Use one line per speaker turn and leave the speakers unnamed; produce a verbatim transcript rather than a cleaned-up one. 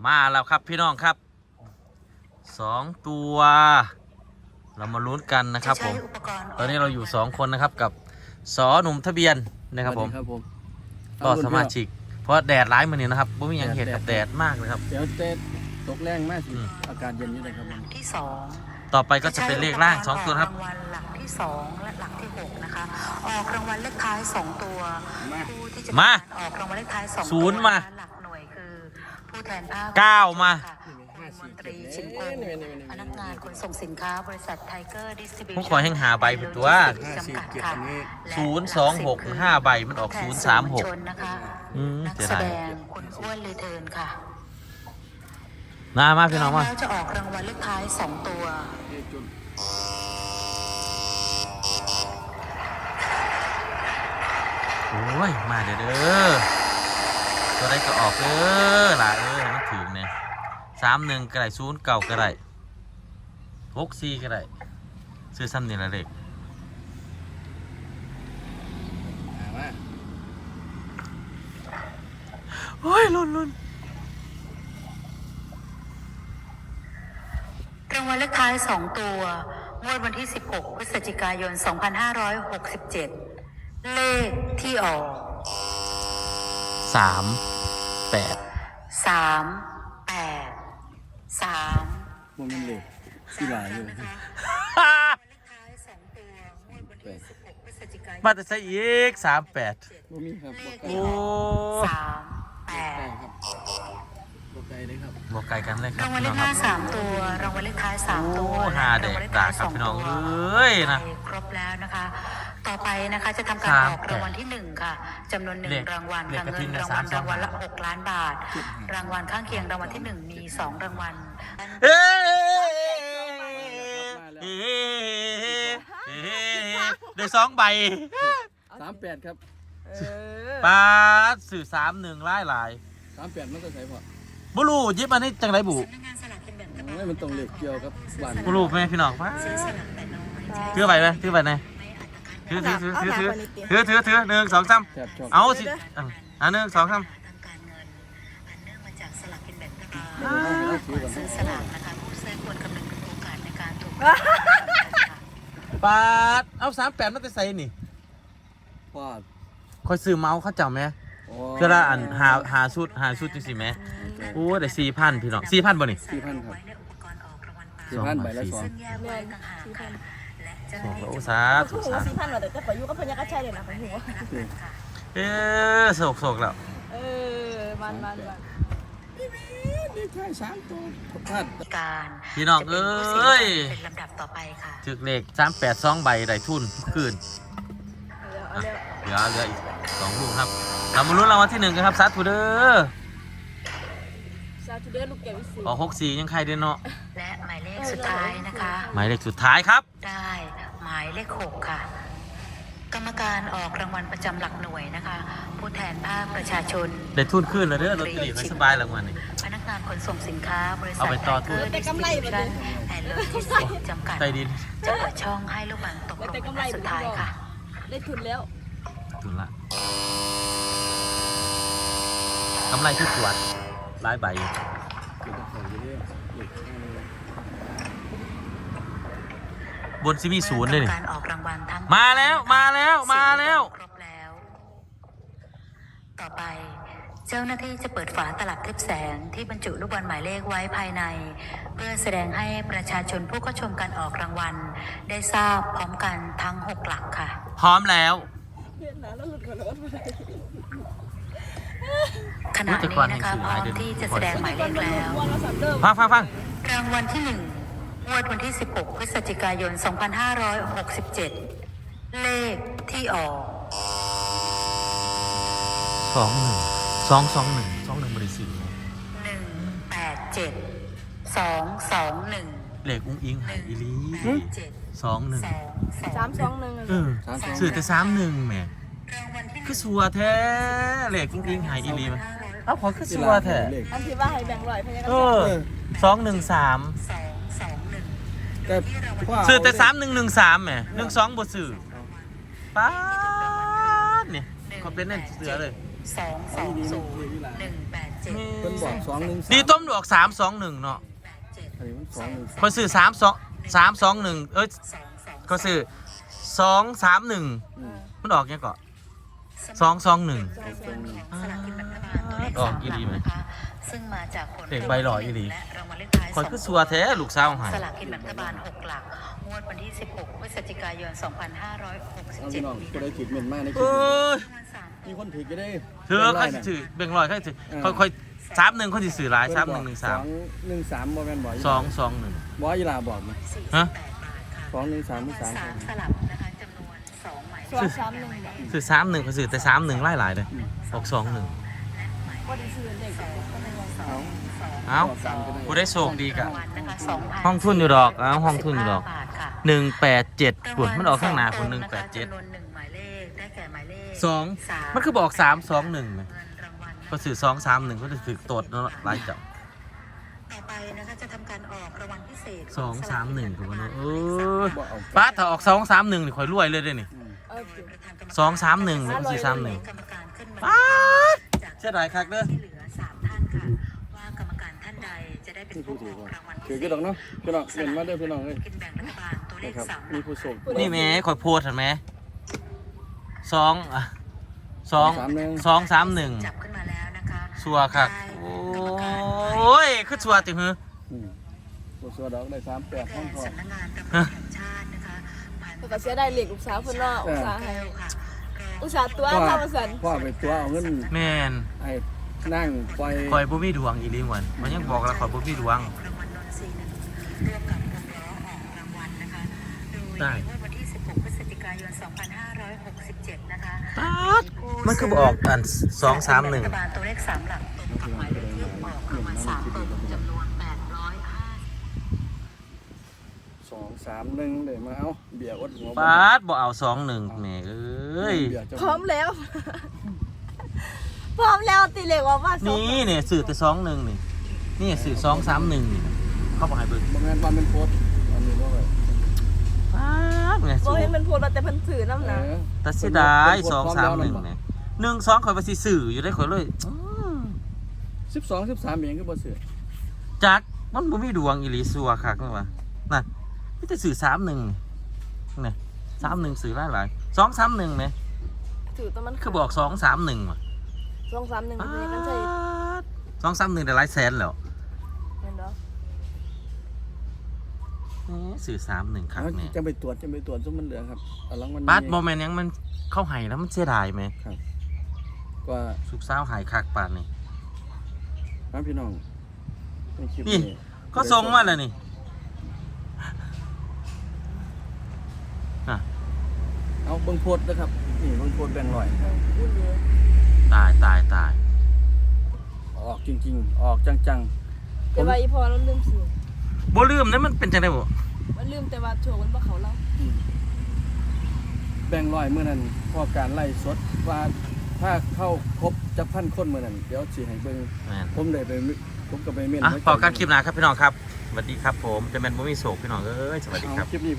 มาแล้วครับพี่น้องครับสองตัวเรามาลุ้นกันนะครับผมตอนนี้เราอยู่สองคนนะครับกับสอหนุ่มทะเบียนนะครับผมก็สมาชิกเพราะแดดร้ายมือนี้นะครับไม่มีอย่างเห็นแดดมากเลยครับ
เดี๋ยวเตะตกแรงมากสิอากาศเย็นอยู่เลยครับ
ที่สอง
ต่อไปก็จะเป็นเลขล่างสองตัวครับ
รางวัลหลักที่สองและหลักที่หกนะคะออกรางวัลเลขท้ายสองตัวผู้ที่จะ
มา
ออกรางวัลเลขท้ายสอง
ศูนย์มา
หลักหน่วยคือผู้แทนภาค
เก้ามา
มนตรีชิมพงศ์พนักงานขนส่งสินค้าบริษัทไทเกอร์ดิสติบิวชั่น
ผู้คอยแห่งหาใบเป็นตัวศูนย์สองหกห้าใบมันออกศูนย์สามหก
นักแสดงคุณอ้วนรีเทิร์นค่ะ
มามาพี่น้องมา
แล้วจะออกรางวัลเลขท้ายสองตัว
โอ้ยมาเด้อเด้อตัวใดก็ออกเด้อหล่ะเอ้ยมันถึงเนี่ยสามหนึ่งก็ได้ศูนย์เก่าก็ได้หกสี่ก็ได้ซื้อซ้ำนี่ละเล็กโอ้ยลุ้นลุ้น
รางวัลเลขท้ายสองตัวงวดวันที่สิบหกพฤศจิกายนสองพันห้าร้อยหกสิบเจ็ดเลขที่ออก
สามแปด
สามแปดสาม
มันเป็นเลขที่หลายอยู่
มาแต่ใส่อีกสามแปดโอ้
สามแปด
บอกไกลเลยครับ
บอกไกลกันเลยครับ
รางวัลเลขท้ายสามตัวรางวัลเลขท้ายสามตัว
หาเด็กด่าครับพี่น้องเอ้ยนะ
ครบแล้วนะคะต่อไปนะคะจะทำการออกรางวัลที่หนึ่งค่ะจำนวนหนึ่งรางวัลค่ะเงินรางวัลรางวัลละหกล้านบาทรางวัลข้างเคียงรางวัลที่หนึ่งมีสองรางวัล
เอ้ได้สองใบ
สามแปดครับ
ปาดสื่อสามหนึ่งไล่หลาย
สามแปดมันก็ใส่พอ
บุรูยิบอันนี้จังไรบุ
ไม่มันต้องเล็กเกี่ยวกับบ้าน
บุรูแม่พี่น้องป้าถือไปไหมถือไปไหนถือถือถือถือถือถือถือถือหนึ่งสองสามเอาสิอันหนึ่งสองสาม
ซื้อสลากนะคะผู้ซื้อควรคำนึงถึงโอกาสในการถูก
ปาดเอาสามแปดมันจะใส่นี่
ปาด
คอยซื้อเมาส์เขาจำไหมเพื่อละอันหาหาชุดหาชุดจริงสิไหมโอ้แต่สี่พันพี่น้องสี่พันบ่นี่
สี่พันครับสี่พันใบละสอง
โอ้สาธุสาธุ
สี่พันแต่จะไปอยู่กับพญากระชัยเลยนะผมหัว
เออโศกโศกแล้ว
เออมันมันมัน
นี่ใช่สามตัว
การ
พี่น้องเอ้ย
เป็นลำดับต่อไปค่ะ
ถึกเลขสามแปดสองใบได้ทุนคืนเหลือเหลืออีกสองลูกครับเรามาลุ้นรางวัลที่หนึ่งกันครับสาธุเด้อ
สาธุเด้อลูกแก้ววิเศษ
ออกหกสี่ยังใครเด้อเนาะ
และหมายเลขสุดท้ายนะคะ
หมายเลขสุดท้ายครับ
ได้หมายเลขหกค่ะกรรมการออกรางวัลประจำหลักหน่วยนะคะผู้แทนภาคประชาชน
ได้ทุนขึ้นแล้วเด้อรถตีไม่สบายรางวัลนี่
พนักงานขนส่งสินค้าบริษัท
เอาไปต่อทุน
ดิสติบิวชั่นแอนด์โลจิสติกส์จำกัดจะเปิดช่องให้ลูกบอลตกลงในสุดท้ายค่ะ
ได้ทุนแล้ว
ทุนละกำไรที่ตรวจหลายใบบนซิมีศูนย์เลยนี่มาแล้วมาแล้วมาแล้ว
ครบแล้วต่อไปเจ้าหน้าที่จะเปิดฝาตลับทึบแสงที่บรรจุลูกบอลหมายเลขไว้ภายในเพื่อแสดงให้ประชาชนผู้เข้าชมการออกรางวัลได้ทราบพร้อมกันทั้งหกหลักค่ะ
พร้อมแล้ว
ขณะนี้นะคะพร้อมที่จะแสดงหมายเลขแล้ว
ฟังฟังฟัง
รางวัลที่หนึ่งงวดวันที่สิบหกพฤศจิกายนสองพันห้าร้อยหกสิบเจ็ดเลขที่ออก
สองหนึ่งสองสองหนึ่งสองหนึ่งบริสุทธิ์
หนึ่งแปดเจ็ดสองสองหนึ่ง
เลขอุ้งอิงหายอีลีสองหนึ่ง
สามสองหนึ่ง
เออสื่อแต่สามหนึ่งแหมคือสัวแท้เลขอุ้งอิงหายอีลีมั้ยเอ้าพอคือสัวแท้
อันที่ว่าให้แบ่งร้อยพญากระชัย
เออสองหนึ่งสามสื่อแต่สามหนึ่งหนึ่งสามแหมหนึ่งสองบทสื่อป้าเนี่ยเขาเป็นเน่นเสือเลย
สองสองศูนย์หนึ่งแปดเจ็ด
เพิ่นบอกสองหนึ่งสาม
ดีต้มดอกสามสองหนึ่งเนาะ
อันนี้มันสองหนึ่ง
เขาซื้อสามสองสามสองหนึ่งเอ้ยเขาซื้อสองสามหนึ่ง
อืม
มันออกยังก่อนสองสองหนึ่ง
สลากกินแบ่งรัฐบาลตัวเลข
ออก
สาม
อี
ห
หลี
ลัก
ไหม
นะคะซึ่งมาจากผล
เด็กใบหล่ออีหลี
และรางวัลเลขท้าย
คอยคือสัวแท้ลูกสาวหาย
สลากกินแบ่งรัฐบาลหกหลักงวดวันที่สิบหกพฤศจิกายนสองพันห้าร้อยหกสิบ
เอา
เจ็
พี่
ด
น้องก็ได้ขีดเมนมากในคลิ
เอ้
ป
ย
มีคนถือก็ได้
เธอเขาสิถือเบ่งลอยเขาสิถือค่อยค่อยสามหนึ่งเขาสิสื่อหลายสามหนึ่งหนึ่งสาม
หนึ่งสามบ่แม่นบ่
สองสองหนึ่ง
บ่อีหลาบอกมา
ฮะ
สองหนึ่งสามหรือสาม
สามสลับนะคะจำนวนสองหมาย
สองสามหนึ่งเนี่ย
สื่อสามหนึ่งเขาสื่อแต่สามหนึ่งไล่หลายเลยออกสองหนึ่ง
ก็ได้ซื้อเด็กก็ไม่ได้
เอา
เอ้า
สามก็ได้
กูได้โชคดีกะ
รางวัลนะคะสองพัน
ห้องทุนอยู่ดอกเอ้าห้องทุนอยู่ดอก
บาทค่ะ
หนึ่งแปดเจ็ดปุ่นมันออกข้างหน้าปุ่นหนึ่งแปดเจ็ด
จำนวนหนึ่งหมายเลขได้แก่หมายเลข
สอง
สาม
มันคือบอกสามสองหนึ่งไหม
เงินรางวัลนะคะ
ก็สื่อสองสามหนึ่งก็จะถือตดเนาะหลายจับ
ต่อไปนะคะจะทำการออกรางวัลพิเศษ
สองสามหนึ่งกูว่าเนาะเออ
บ่เอา
ป้าถ้าออกสองสามหนึ่งนี่ข่อยรวยเลยเด้อนี่
อืม
เออ
สองสามหนึ่งหรือสี่สามหนึ่ง
กรรมการขึ้นมา
ป๊าด
จาก
เสียดายคักเด้อ
ที่เหลือสามท่านค่ะ ว่ากรรมการท่านใดจะได้เป็น
นี่ผู้
ผู้
ถื
อ
อ
อก
ก่อน
รางวัล
ถือก็ดอกเนาะพี่น้องเห็นมาเด้อพี่น้องเอ้ย
กินแบ่งรัฐบาลตัวเล
นะ
ข
ครับ
สามห
มี
ลัก
ผู้โชค
นี่แหม่ข่อยโพดเห็นไหมสองอะสอง
สามหนึ่ง
สองสามหนึ่ง
จับขึ้นมาแล้วนะคะ
ชัวร์ครับโอ้ยคือชัวร์ติหือ
อืมผู้ชัวดอกได้สามแปดห้
แก่
องทอง
สำนักงานตำรวจแห่งชาตินะคะผ่าน
เพิ่นก็เสียได้เหล็กลูกสาวเพิ่นเนาะอุตส่าห์ให้
แก้วค่ะรอง
อุตส่าห์ตัว
พ่อ
ทำมาสั่น
พ่อไปตัวเอาเงิน
แม่น
ให้นั่งปล่อย
ข่อยบ่มีดวงอีหลีหวนมันยังบอกแล้วข่อยบ่มีดวง
รางวัลนนทรีย์หนึ่งร่วมกับวงล้อออกรางวัลนะคะ โดย
ได้
ในวันที่สิบหกพฤศจิกายนสองพันห้าร้อยหกสิบเจ็ดนะคะ
ป๊าดมันคือบอกอันสองสามหนึ่ง
รัฐบาลตัวเลขสามหลักตรงกับหมายเลขที่ออกรางวัลสามตัวจำนวนแปดร้อยห้า
สองสามหนึ่งเดี๋ยวมาเอาเบียร์อดหัว
ป๊าดบ่เอาสองหนึ่งแหม่เอ้ย
เบียร์เจ้า
พร้อมแล้ว พร้อมแล้วตีเหล็กว่าว่าสอง
นี่เนี่ยสื่อแต่สองหนึ่งนี่นี่สื่อสองสามหนึ่งนี่เขาบอกให้เบิ่ง
บางงานวันเป็นโพสต์อันนี้ว่าไง
ป๊าดไง
บ่
สู
เห็นมันโพดมาแต่เพิ่นซื้อน้ำ
เอ
นะ
อ
แต่เสียดายสองสามหนึ่งเนี่ยหนึ่งสองข่อยไปสิสื่ออยู่ได้ข่อยเลยอื้อ
สิบสองสิบสามเองก็บ่เสือ
จักมันบ่มีดวงอีหลีซัวคักนี่วะนั่นมีแต่สื่อสามหนึ่งนี่สามหนึ่งสื่อหลายหลายสองสามหนึ่งเนี่ย
ถือตัวมัน
คือบอกสองสามหนึ่งว่ะ
สองสามหนึ่งมันเป็นกันใช่
สองสามหนึ่งได้หลายแสนแล้ว
เห็นเนาะ
เอ๊ะสื่อสามหนึ่งคักเนี่ย
จะไปตรวจจะไปตรวจซุมมันเหลือครับเอาลังมัน
บัสโมเมนต์ยังมันเข้าใหายแล้วมันเสียดายไหม
ก็
สุกเศร้าวหายคักปานนี่
ครับพี่น้องในคลิป
นี่ ก็ทรงมาแล้วนี่อ่ะ
เอาเบิ่งโพสต์นะครับนี่เบิ่งโพสต์แบ่งร้อย
พูดเลย
ตายตายตาย
ออกจริงๆ ออกจังๆผ
แต่
ม
ว่าอีพอเราลืมซื้อ
บ่ลืมนะมันเป็นจังไดบ่
มันลืมแต่ว่าโชว์มันบ่เขาเรา
แบ่งร้อยเมื่อนั้นพอการไล่สดว่าถ้าเข้าครบจะพันคนเมื่อนั้นเดี๋ยวสิให้เบิ่ง
แม่น
ผมได้ไปผมก็ไปเม่น
อ่ะ
ไว้
พอกันคลิปหน้าครับพี่น้องครับสวัสดีครับผมจะแม่นบ่มีโศกพี่น้องเอ้ยสวัสดีครับ
เอาคลิปนี้